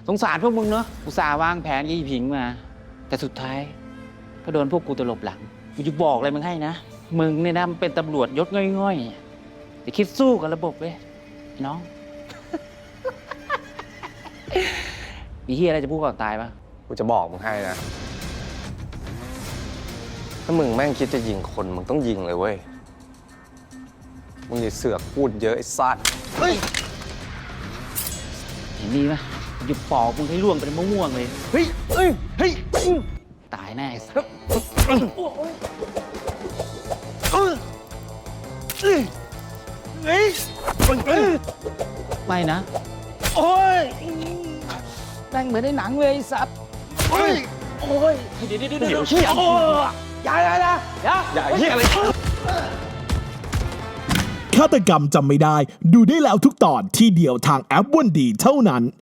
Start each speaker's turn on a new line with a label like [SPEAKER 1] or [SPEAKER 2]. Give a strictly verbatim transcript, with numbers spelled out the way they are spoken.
[SPEAKER 1] สงสารพวกมึงเนอะอุตส่าห์วางแผนยี่ผิงมาแต่สุดท้ายก็โดนพวกกูตลบหลังกูจะบอกเลยมึงให้นะมึงเนี่ยนะมันเป็นตำรวจยศง่อยๆจะคิดสู้กับระบบเว้ยน้อง มีเฮียอะไรจะพูดก่อนตายปะ
[SPEAKER 2] กูจะบอกมึงให้นะถ้ามึงแม่งคิดจะยิงคนมึงต้องยิงเลยเว้ยมึงอย่าเสือกพูดเยอะไอ้สัตว์เฮ้ย
[SPEAKER 1] เห็นนี่ปะกูจะปอกมึงให้ร่วงเป็นมะม่วงเลย
[SPEAKER 2] เฮ้ยเฮ้ยเฮ้ย
[SPEAKER 1] ตายแน่ไอ้สัส
[SPEAKER 2] เฮ้ยเฮ้ย
[SPEAKER 1] ไม่นะ
[SPEAKER 2] โอ้ย
[SPEAKER 1] แม่งเหมือนในหนังเลยไอ้สัตว์
[SPEAKER 2] เฮ้ย
[SPEAKER 1] โอ้ยเดี๋ยวเดี๋ยวเดี๋ยวเดี๋ยว
[SPEAKER 2] เชี่ย
[SPEAKER 1] โอ้ยอย่าอย่าอย่าอย่า
[SPEAKER 2] อย่าเหี้ยอะไร
[SPEAKER 3] ฆาตกรรมจำไม่ได้ดูได้แล้วทุกตอนที่เดียวทางแอปวันดีเท่านั้น